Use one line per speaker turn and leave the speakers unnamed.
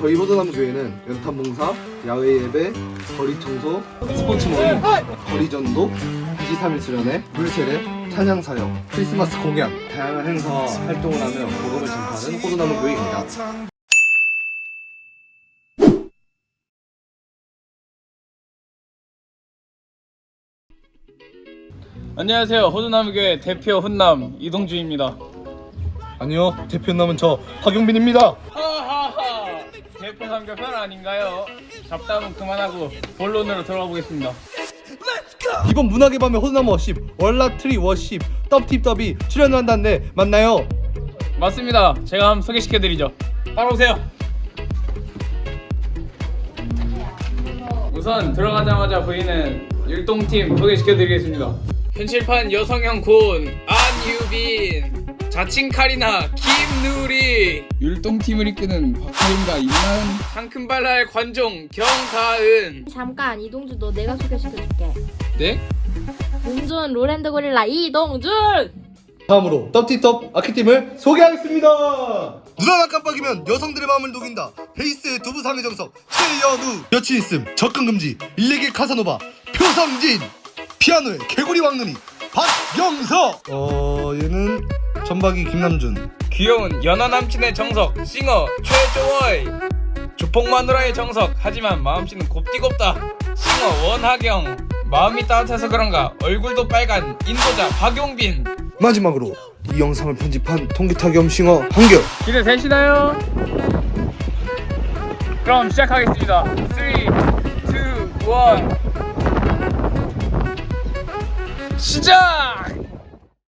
저희 호전나무 교회는 연탄 봉사, 야외 예배, 거리 청소, 스포츠 모임, 거리전도, 23일 수련회, 물세례, 찬양 사역, 크리스마스 공연, 다양한 행사와 활동을 하며 복음을 전파하는 호전나무 교회입니다.
안녕하세요. 호주나무교회 대표 훈남 이동주입니다.
아니요, 대표 남은 저 박용빈입니다.
하하하. 대표 삼겹살 아닌가요? 잡담은 그만하고 본론으로 들어가 보겠습니다.
이번 문학의 밤에 호전나무 워십, 월라트리 워십, 떡팁더비 출연을 한다는데 맞나요?
맞습니다. 제가 한번 소개시켜드리죠. 따라오세요. 우선 들어가자마자 보이는 율동팀 소개시켜드리겠습니다. 현실판 여성형 고은 안유빈, 자칭 카리나 김누리, 율동팀을 이끄는 박하윤과 임나은, 상큼발랄 관종 경가은.
잠깐 이동준 너 내가 소개시켜줄게.
네?
몸 좋은 롤랜드 고릴라 이동준.
다음으로 떡팁떡 아키팀을 소개하겠습니다. 눈 하나 깜빡이면 여성들의 마음을 녹인다. 베이스 두부상의 정석 최연우, 여친 있음 접근 금지 일레길 카사노바 표성진, 피아노의 개구리 왕눈이 박영서. 얘는 전박이 김남준,
귀여운 연하 남친의 정석 싱어 최조월, 조폭 마누라의 정석 하지만 마음씨는 곱디곱다 싱어 원하경, 마음이 따뜻해서 그런가 얼굴도 빨간 인도자 박용빈.
마지막으로 이 영상을 편집한 통기타 겸 싱어 한결.
기대되시나요? 그럼 시작하겠습니다. 3, 2, 1 시작!